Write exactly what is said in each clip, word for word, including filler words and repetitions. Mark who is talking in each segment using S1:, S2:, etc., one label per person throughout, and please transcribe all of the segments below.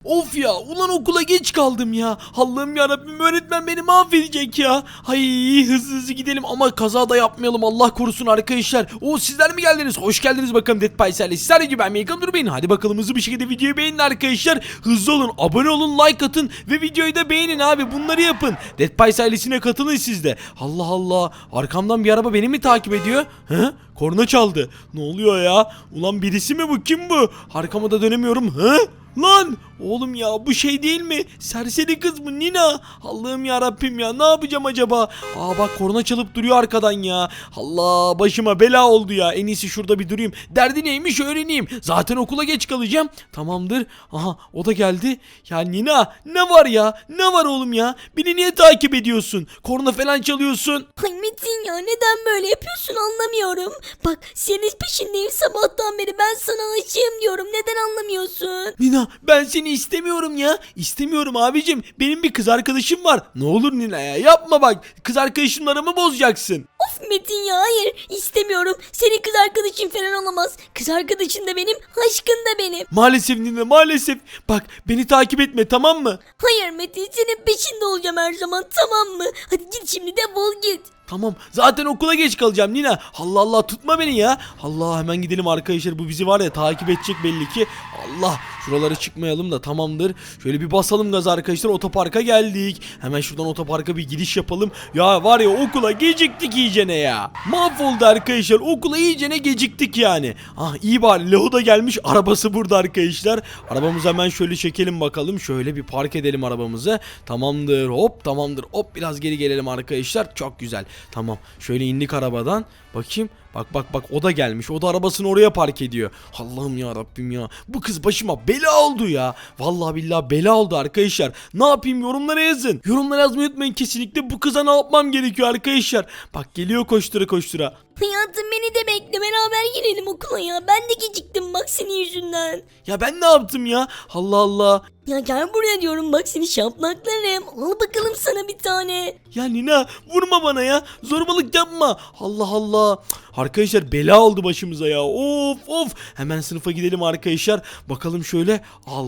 S1: Of ya, ulan okula geç kaldım ya. Allah'ım yarabbim, öğretmen beni mahvedecek ya. Hay, hızlı hızlı gidelim ama kaza da yapmayalım, Allah korusun arkadaşlar. O sizler mi geldiniz? Hoş geldiniz bakalım Dead Pies ailesi. Sizler gibi ben Megan Dur Bey'in. Hadi bakalım hızlı bir şekilde videoyu beğenin arkadaşlar. Hızlı olun, abone olun, like atın ve videoyu da beğenin abi, bunları yapın. Dead Pies ailesine katılın siz de. Allah Allah, arkamdan bir araba beni mi takip ediyor? Hı? Korna çaldı. Ne oluyor ya? Ulan birisi mi bu? Kim bu? Arkama da dönemiyorum. Hı? Lan oğlum ya, bu şey değil mi? Serseri kız mı, Nina? Allah'ım ya Rabbim ya, ne yapacağım acaba? Aa bak, korna çalıp duruyor arkadan ya. Allah, başıma bela oldu ya. En iyisi şurada bir durayım. Derdi neymiş öğreneyim. Zaten okula geç kalacağım. Tamamdır. Aha, o da geldi. Ya Nina, ne var ya? Ne var oğlum ya? Beni niye takip ediyorsun? Korna falan çalıyorsun.
S2: Ay Metin ya, neden böyle yapıyorsun anlamıyorum. Bak, senin peşindeyim sabahtan beri, ben sana aşığım diyorum, neden anlamıyorsun?
S1: Nina, ben seni istemiyorum ya. İstemiyorum abicim. Benim bir kız arkadaşım var. Ne olur Nina ya, yapma bak. Kız arkadaşımlarımı bozacaksın.
S2: Of Metin ya, hayır istemiyorum. Senin kız arkadaşın falan olamaz. Kız arkadaşın da benim, aşkın da benim.
S1: Maalesef Nina, maalesef. Bak, beni takip etme, tamam mı?
S2: Hayır Metin, senin peşinde olacağım her zaman, tamam mı? Hadi git şimdi, defol git.
S1: Tamam, zaten okula geç kalacağım Nina. Allah Allah, tutma beni ya. Allah, hemen gidelim arkadaşlar, bu bizi var ya takip edecek belli ki. Allah, şuralara çıkmayalım da tamamdır. Şöyle bir basalım gaz arkadaşlar, otoparka geldik. Hemen şuradan otoparka bir gidiş yapalım. Ya var ya, okula geciktik iyicene ya. Mahvoldu arkadaşlar, okula iyicene geciktik yani. Ah iyi bari, Leo da gelmiş, arabası burada arkadaşlar. Arabamızı hemen şöyle çekelim bakalım. Şöyle bir park edelim arabamızı. Tamamdır, hop tamamdır, hop biraz geri gelelim arkadaşlar. Çok güzel. Tamam, şöyle indik arabadan. Bakayım, bak bak bak, o da gelmiş, o da arabasını oraya park ediyor. Allah'ım ya Rabbim ya, bu kız başıma bela oldu ya. Vallahi billahi bela oldu arkadaşlar. Ne yapayım, yorumlara yazın. Yorumlara yazmayı unutmayın kesinlikle, bu kıza ne yapmam gerekiyor arkadaşlar. Bak, geliyor koştura koştura.
S2: Hayatım, beni de bekle, beraber girelim okula ya. Ben de geciktim bak senin yüzünden.
S1: Ya ben ne yaptım ya, Allah Allah.
S2: Ya gel buraya diyorum, bak seni şaplaklarım. Al bakalım sana bir tane.
S1: Ya Nina, vurma bana ya, zorbalık yapma. Allah Allah. Arkadaşlar bela oldu başımıza ya. Of of. Hemen sınıfa gidelim arkadaşlar. Bakalım şöyle.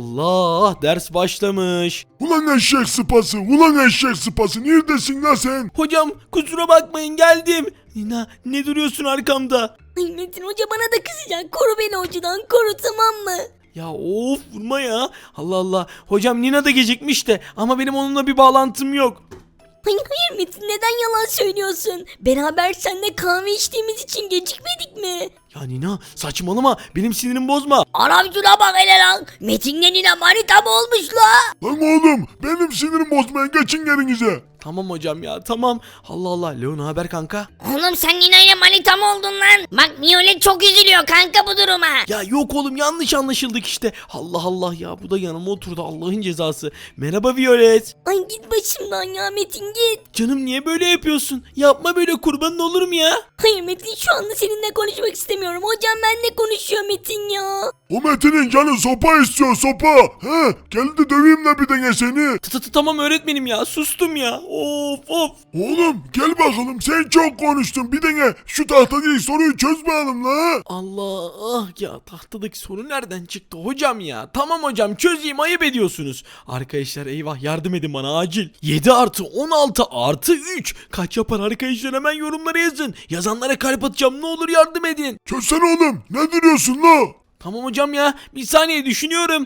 S1: Allah, ders başlamış.
S3: Ulan eşek sıpası, ulan eşek sıpası, neredesin lan sen?
S1: Hocam kusura bakmayın, geldim. Nina, ne duruyorsun arkamda?
S2: Ay Metin, hoca bana da kızacak. Koru beni hocadan, koru, tamam mı?
S1: Ya of, vurma ya. Allah Allah. Hocam Nina da gecikmiş de ama benim onunla bir bağlantım yok.
S2: Hayır hayır Metin, neden yalan söylüyorsun? Beraber seninle kahve içtiğimiz için gecikmedik mi?
S1: Ya Nina, saçmalama, benim sinirimi bozma.
S2: Anam şuna bak hele lan. Metin'le Nina manita mı olmuş la?
S3: Lan oğlum, benim sinirim bozmayın, geçin yerinize.
S1: Tamam hocam ya, tamam. Allah Allah. Leo, ne haber kanka?
S2: Oğlum sen Nina ile manita mı oldun lan? Bak Violet çok üzülüyor kanka bu duruma.
S1: Ya yok oğlum, yanlış anlaşıldık işte. Allah Allah ya, bu da yanıma oturdu, Allah'ın cezası. Merhaba Violet.
S2: Ay git başımdan ya Metin, git.
S1: Canım, niye böyle yapıyorsun? Yapma böyle, kurbanın olurum ya.
S2: Hayır Metin, şu anda seninle konuşmak istemiyorum. Hocam benimle konuşuyor Metin ya.
S3: O Metin'in canı sopa istiyor, sopa. He, gel de döveyim de bir dene seni.
S1: Tı tı tı, tamam öğretmenim ya, sustum ya. Of of.
S3: Oğlum gel bakalım, sen çok konuştun, bir dene şu tahtadaki soruyu çöz bakalım la.
S1: Allah, ah ya, tahtadaki soru nereden çıktı hocam ya? Tamam hocam, çözeyim, ayıp ediyorsunuz. Arkadaşlar eyvah, yardım edin bana acil. yedi artı on altı artı üç kaç yapar arkadaşlar, hemen yorumlara yazın. Yazanlara kalp atacağım, ne olur yardım edin.
S3: Çözsene oğlum, ne duruyorsun la?
S1: Tamam hocam ya, bir saniye düşünüyorum.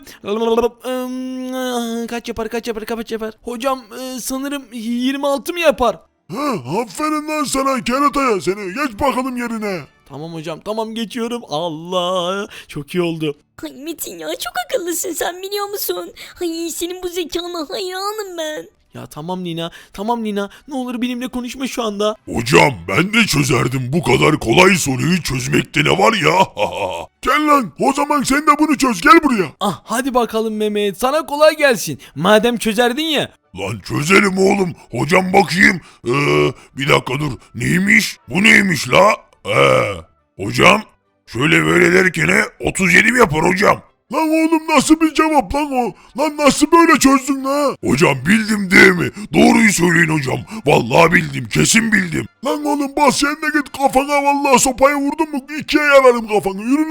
S1: Kaç yapar kaç yapar kaç yapar? Hocam e, sanırım yirmi altı mı yapar?
S3: He, aferin lan sana kerataya, seni geç bakalım yerine.
S1: Tamam hocam, tamam geçiyorum. Allah, çok iyi oldu.
S2: Ay Metin ya, çok akıllısın sen, biliyor musun? Ay senin bu zekana hayranım ben.
S1: Ya tamam Nina, tamam Nina, ne olur benimle konuşma şu anda.
S3: Hocam ben de çözerdim, bu kadar kolay soruyu çözmekte ne var ya? Gel lan, o zaman sen de bunu çöz, gel buraya.
S1: Ah hadi bakalım Mehmet, sana kolay gelsin. Madem çözerdin ya.
S3: Lan çözelim oğlum. Hocam bakayım. Ee, bir dakika dur. Neymiş? Bu neymiş la? Ee, hocam şöyle böyle derken otuz yedi mi yapar hocam? Lan oğlum nasıl bir cevap lan o? Lan nasıl böyle çözdün la? Hocam bildim değil mi? Doğruyu söyleyin hocam. Vallahi bildim, kesin bildim. Lan oğlum bas sen de git kafana, vallahi sopayı vurdun mu ikiye yararım kafanı, yürü la.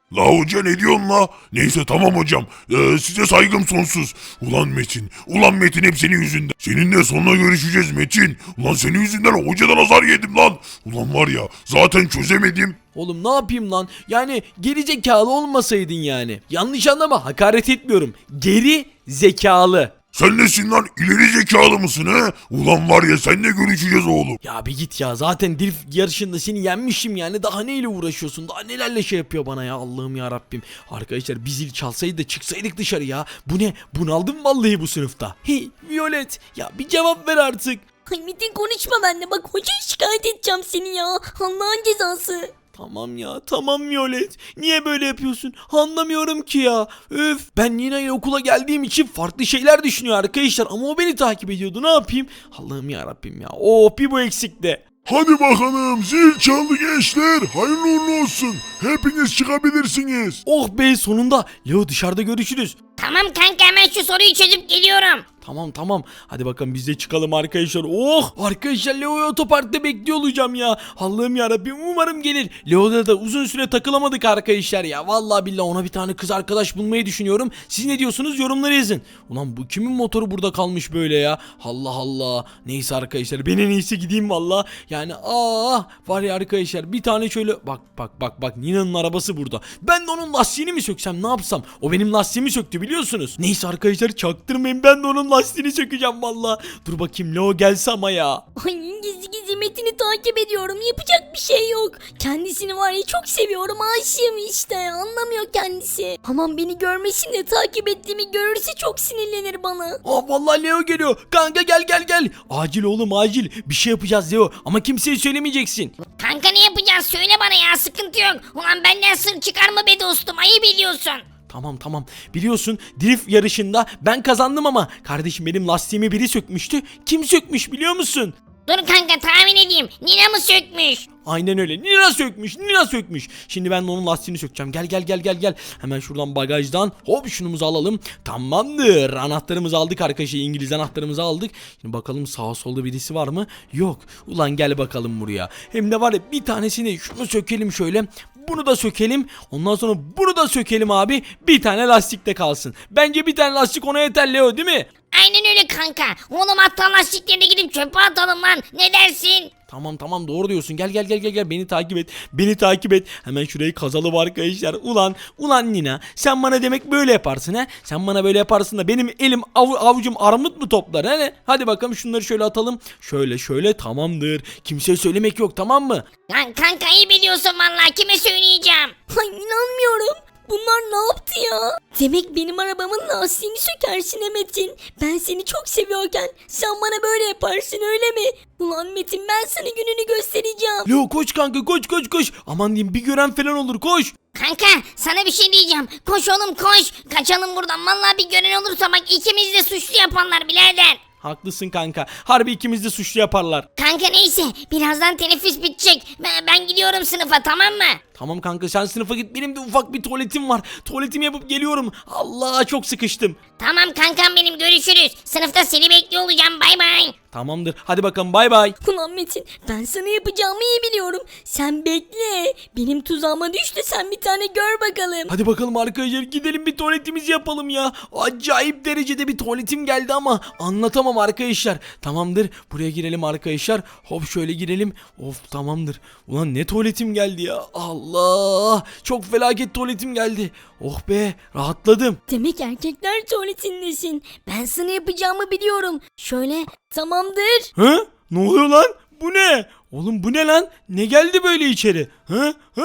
S3: La hoca ne diyorsun la? Neyse tamam hocam. Ee, size saygım sonsuz. Ulan Metin. Ulan Metin hep senin yüzünden. Seninle sonra görüşeceğiz Metin. Ulan senin yüzünden hocadan azar yedim lan. Ulan var ya zaten çözemedim.
S1: Oğlum ne yapayım lan? Yani geri zekalı olmasaydın yani. Yanlış anlama, hakaret etmiyorum. Geri zekalı.
S3: Sen nesin lan? İleri zekalı mısın he? Ulan var ya seninle görüşeceğiz oğlum.
S1: Ya bir git ya, zaten drift yarışında seni yenmişim yani, daha neyle uğraşıyorsun, daha nelerle şey yapıyor bana ya, Allah'ım ya Rabbim. Arkadaşlar bir zil çalsaydı da çıksaydık dışarı ya. Bu ne? Bunaldım vallahi bu sınıfta. Hey Violet ya, bir cevap ver artık.
S2: Ay Metin konuşma benimle, bak hocaya şikayet edeceğim seni ya. Allah'ın cezası.
S1: Tamam ya, tamam Violet. Niye böyle yapıyorsun? Anlamıyorum ki ya. Öf, ben Nina ile okula geldiğim için farklı şeyler düşünüyor arkadaşlar. Ama o beni takip ediyordu, ne yapayım? Allah'ım ya Rabbim ya. Oh, bir bu eksikti.
S3: Hadi bakalım zil çaldı gençler. Hayırlı uğurlu olsun. Hepiniz çıkabilirsiniz.
S1: Oh be, sonunda. Leo, dışarıda görüşürüz.
S4: Tamam kanka, hemen şu soruyu çözüp geliyorum.
S1: Tamam tamam. Hadi bakalım biz de çıkalım arkadaşlar. Oh! Arkadaşlar Leo'yu otoparkta bekliyor olacağım ya. Allah'ım yarabbim, umarım gelir. Leo'da da uzun süre takılamadık arkadaşlar ya. Vallahi billahi ona bir tane kız arkadaş bulmayı düşünüyorum. Siz ne diyorsunuz? Yorumlara yazın. Ulan bu kimin motoru burada kalmış böyle ya? Allah Allah. Neyse arkadaşlar, ben en iyisi gideyim valla. Yani aa var ya arkadaşlar, bir tane şöyle bak bak bak bak, Nina'nın arabası burada. Ben de onun lastiğini mi söksem, ne yapsam? O benim lastiğimi söktü biliyorsunuz. Neyse arkadaşlar, çaktırmayın, ben de onun lastiğini sökeceğim valla. Dur bakayım Leo gelse ama ya.
S2: Ay gizli gizli Metin'i takip ediyorum, yapacak bir şey yok. Kendisini var ya çok seviyorum, aşığım işte, anlamıyor kendisi. Aman beni görmesin de takip ettiğimi görürse çok sinirlenir bana.
S1: Aa vallahi Leo geliyor. Kanka gel gel gel. Acil oğlum acil. Bir şey yapacağız Leo ama kimseye söylemeyeceksin.
S4: Kanka ne yapacağız, söyle bana ya, sıkıntı yok. Ulan benden sır çıkarma be dostum, ayıp ediyorsun.
S1: Tamam tamam. Biliyorsun drift yarışında ben kazandım ama kardeşim benim lastiğimi biri sökmüştü. Kim sökmüş biliyor musun?
S4: Dur kanka, tahmin edeyim. Nina mı sökmüş?
S1: Aynen öyle. Nina sökmüş. Nina sökmüş. Şimdi ben de onun lastiğini sökeceğim. Gel gel gel gel gel. Hemen şuradan bagajdan hop şunumuzu alalım. Tamamdır. Anahtarımızı aldık arkadaşlar. İngiliz anahtarımızı aldık. Şimdi bakalım sağa solda birisi var mı? Yok. Ulan gel bakalım buraya. Hem de var ya, bir tanesini şunu sökelim şöyle. Bunu da sökelim. Ondan sonra bunu da sökelim abi. Bir tane lastik de kalsın. Bence bir tane lastik ona yeter Leo, değil mi?
S4: Aynen öyle kanka. Oğlum hatta lastiklerini gidip çöpe atalım lan. Ne dersin?
S1: Tamam tamam, doğru diyorsun. Gel gel gel gel gel, beni takip et. Beni takip et. Hemen şurayı kazalım arkadaşlar. Ulan ulan Nina, sen bana demek böyle yaparsın ha? Sen bana böyle yaparsın da benim elim av, avucum armut mu toplar ha? Hadi bakalım şunları şöyle atalım. Şöyle şöyle, tamamdır. Kimseye söylemek yok, tamam mı?
S4: Lan kanka iyi biliyorsun vallahi, kime söyleyeceğim?
S2: Ay inanmıyorum. Bunlar ne yaptı ya? Demek benim arabamın lastiğini sökersin he Metin. Ben seni çok seviyorken sen bana böyle yaparsın öyle mi? Ulan Metin, ben sana gününü göstereceğim.
S1: Leo koş kanka, koş koş koş. Aman diyeyim, bir gören falan olur, koş.
S4: Kanka sana bir şey diyeceğim. Koş oğlum koş. Kaçalım buradan. Vallahi bir gören olursa bak, ikimiz de suçlu yapanlar birader.
S1: Haklısın kanka. Harbi ikimiz de suçlu yaparlar.
S4: Kanka neyse, birazdan teneffüs bitecek. Ben, ben gidiyorum sınıfa, tamam mı?
S1: Tamam kanka, sen sınıfa git, benim de ufak bir tuvaletim var. Tuvaletimi yapıp geliyorum. Allah, çok sıkıştım.
S4: Tamam kankam benim, görüşürüz. Sınıfta seni bekliyor olacağım, bay bay.
S1: Tamamdır, hadi bakalım, bay bay.
S2: Ulan Metin, ben sana yapacağımı iyi biliyorum. Sen bekle. Benim tuzağıma düş de sen bir tane gör bakalım.
S1: Hadi bakalım arkadaşlar, gidelim bir tuvaletimizi yapalım ya. Acayip derecede bir tuvaletim geldi ama anlatamam arkadaşlar. Tamamdır, buraya girelim arkadaşlar. Hop şöyle girelim. Of, tamamdır. Ulan ne tuvaletim geldi ya. Allah, çok felaket tuvaletim geldi. Oh be, rahatladım.
S2: Demek erkekler tuvaletindesin. Ben sana yapacağımı biliyorum. Şöyle, tamamdır.
S1: Hı? Ne oluyor lan? Bu ne? Oğlum bu ne lan? Ne geldi böyle içeri? Hı? Hı?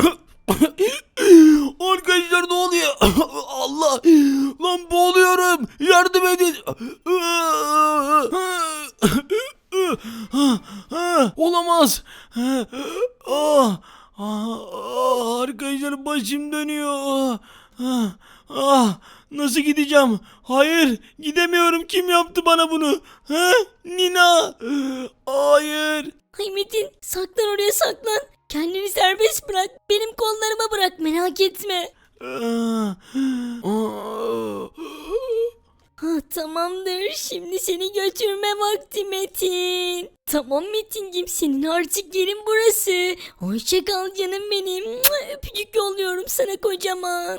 S1: Arkadaşlar ne oluyor? Allah! Lan boğuluyorum! Yardım edin! Olamaz! Ah! Ah! Arkadaşlar başım dönüyor! Ah! Ah! Nasıl gideceğim? Hayır, gidemiyorum. Kim yaptı bana bunu? Ha? Nina! Hayır!
S2: Ay Metin, saklan oraya saklan. Kendini serbest bırak. Benim kollarıma bırak, merak etme.
S1: Ah! Ah!
S2: Ha tamamdır. Şimdi seni götürme vakti Metin. Tamam Metin'cim, senin artık yerin burası. Hoşça kal canım benim. Mua, öpücük yolluyorum sana kocaman.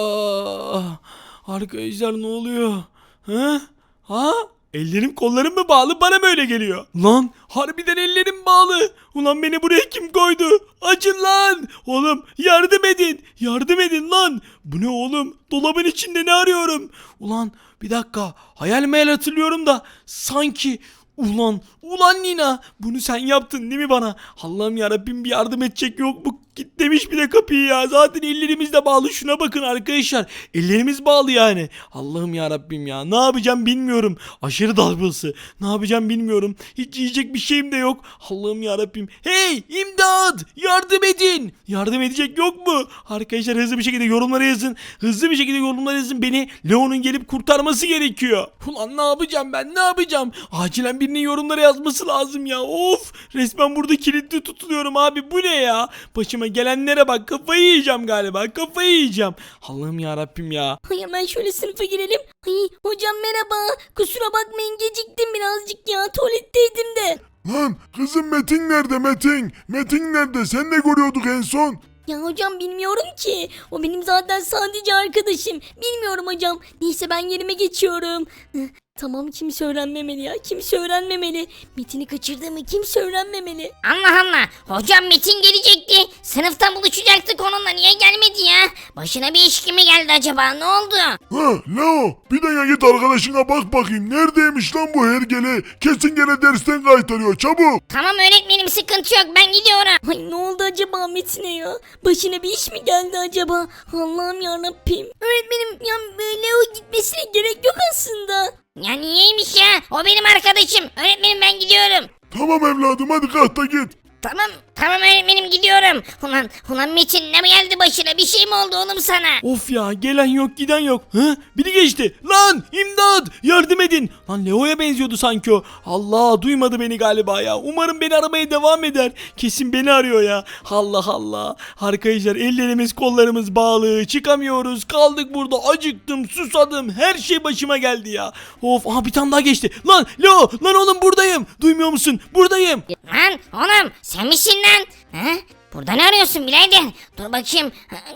S1: Ah, arkadaşlar ne oluyor? Ha? Ha? Ellerim kollarım mı bağlı, bana mı öyle geliyor? Lan harbiden ellerim bağlı. Ulan beni buraya kim koydu? Açın lan. Oğlum yardım edin. Yardım edin lan. Bu ne oğlum? Dolabın içinde ne arıyorum? Ulan bir dakika. Hayal meyal hatırlıyorum da sanki... Ulan, ulan Nina, bunu sen yaptın değil mi bana? Allah'ım yarabbim, bir yardım edecek yok mu? Git demiş bir de kapıyı ya. Zaten ellerimiz de bağlı. Şuna bakın arkadaşlar. Ellerimiz bağlı yani. Allah'ım yarabbim ya. Ne yapacağım bilmiyorum. Aşırı dalgası. Ne yapacağım bilmiyorum. Hiç yiyecek bir şeyim de yok. Allah'ım yarabbim. Hey, imdat! Yardım edin. Yardım edecek yok mu? Arkadaşlar hızlı bir şekilde yorumlara yazın. Hızlı bir şekilde yorumlara yazın. Beni Leo'nun gelip kurtarması gerekiyor. Ulan ne yapacağım ben? Ne yapacağım? Acilen birinin yorumlara yazması lazım ya. Of! Resmen burada kilitli tutuluyorum abi. Bu ne ya? Başıma gelenlere bak, kafayı yiyeceğim galiba, kafayı yiyeceğim. Allah'ım ya Rabbim ya.
S2: Ay hemen şöyle sınıfa girelim. Ay hocam merhaba. Kusura bakmayın, geciktim birazcık ya. Tuvaletteydim de.
S3: Lan kızım Metin nerede Metin? Metin nerede? Sen ne görüyorduk en son?
S2: Ya hocam bilmiyorum ki. O benim zaten sadece arkadaşım. Bilmiyorum hocam. Neyse ben yerime geçiyorum. Hıh, tamam, kimse öğrenmemeli ya. Kimse öğrenmemeli. Metin'i kaçırdığımı kimse öğrenmemeli.
S4: Allah Allah. Hocam Metin gelecekti. Sınıfta buluşacaktık onunla. Niye gelmedi ya? Başına bir iş mi geldi acaba? Ne oldu?
S3: Ha Leo bir de git arkadaşına bak bakayım. Neredeymiş lan bu hergele? Kesin gene dersten kaytarıyor, çabuk.
S4: Tamam öğretmenim, sıkıntı yok, ben gidiyorum.
S2: Ay ne oldu acaba Metin'e ya? Başına bir iş mi geldi acaba? Allah'ım yarabbim. Öğretmenim ya, Leo gitmesine gerek yok aslında.
S4: Ya niyeymiş ya? O benim arkadaşım. Öğretmenim ben gidiyorum.
S3: Tamam evladım hadi kalk da git.
S4: Tamam, tamam öğretmenim gidiyorum. Ulan, ulan Metin ne mi geldi başına? Bir şey mi oldu oğlum sana?
S1: Of ya, gelen yok giden yok. Hı? Biri geçti. Lan imdat, yardım edin. Lan Leo'ya benziyordu sanki o. Allah, duymadı beni galiba ya. Umarım beni aramaya devam eder. Kesin beni arıyor ya. Allah Allah. Arkadaşlar ellerimiz kollarımız bağlı. Çıkamıyoruz. Kaldık burada. Acıktım, susadım. Her şey başıma geldi ya. Of, aha bir tane daha geçti. Lan Leo, lan oğlum buradayım. Duymuyor musun? Buradayım.
S4: Lan oğlum sen misin lan? Ha? Burada ne arıyorsun birader? Dur bakayım.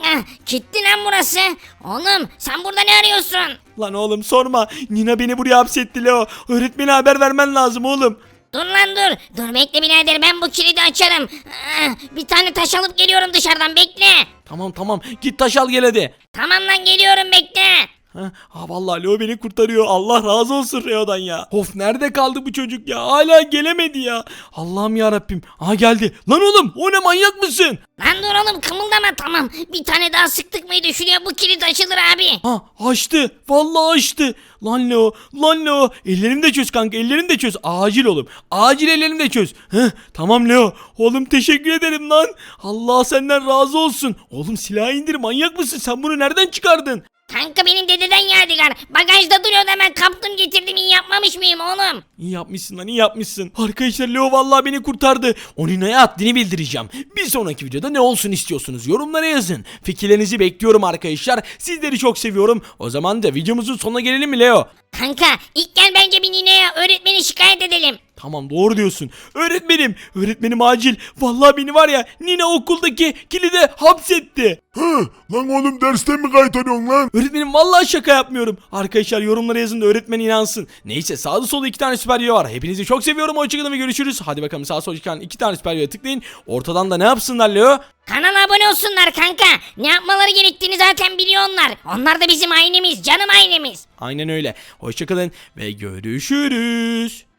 S4: Gitti lan burası. Oğlum sen burada ne arıyorsun?
S1: Lan oğlum sorma. Nina beni buraya hapsetti Leo. Öğretmene haber vermen lazım oğlum.
S4: Dur lan dur. Dur bekle birader, ben bu kilidi açarım. Ah, Bir tane taş alıp geliyorum dışarıdan, bekle.
S1: Tamam tamam, git taş al gel hadi.
S4: Tamam lan geliyorum, bekle.
S1: Ha, ha vallahi Leo beni kurtarıyor. Allah razı olsun Leo'dan ya. Of, nerede kaldı bu çocuk ya? Hala gelemedi ya. Allah'ım ya Rabbim. Aha geldi. Lan oğlum, o ne, manyak mısın?
S4: Lan dur oğlum, kımıldama, tamam. Bir tane daha sıktık mıydı şuraya, bu kilit açılır abi.
S1: Ha, açtı. Vallahi açtı. Lan Leo, lan Leo. Ellerini de çöz kanka, ellerini de çöz. Acil oğlum. Acil ellerini de çöz. Heh, tamam Leo. Oğlum teşekkür ederim lan. Allah senden razı olsun. Oğlum silahı indir, manyak mısın? Sen bunu nereden çıkardın?
S4: Kanka benim dededen yadigar. Bagajda duruyordu, hemen kaptım getirdim, iyi yapmamış mıyım oğlum?
S1: İyi yapmışsın lan, iyi yapmışsın. Arkadaşlar Leo vallahi beni kurtardı. O Nina'ya haddini bildireceğim. Bir sonraki videoda ne olsun istiyorsunuz? Yorumlara yazın. Fikirlerinizi bekliyorum arkadaşlar. Sizleri çok seviyorum. O zaman da videomuzun sonuna gelelim mi Leo?
S4: Kanka ilk gel bence bir nineye, öğretmeni şikayet edelim.
S1: Tamam, doğru diyorsun. Öğretmenim, öğretmenim acil. Vallahi beni var ya, Nina okuldaki kilide hapsetti.
S3: Hı lan oğlum dersten mi kaytarıyorsun lan?
S1: Öğretmenim vallahi şaka yapmıyorum. Arkadaşlar yorumlara yazın da öğretmen inansın. Neyse, sağda solda iki tane süper video var. Hepinizi çok seviyorum. Hoşçakalın ve görüşürüz. Hadi bakalım, sağ sol çıkan iki tane süper video tıklayın. Ortadan da ne yapsınlar Leo?
S4: Kanala abone olsunlar kanka. Ne yapmaları gerektiğini zaten biliyor onlar. Onlar da bizim ailemiz, canım ailemiz.
S1: Aynen öyle. Hoşçakalın ve görüşürüz.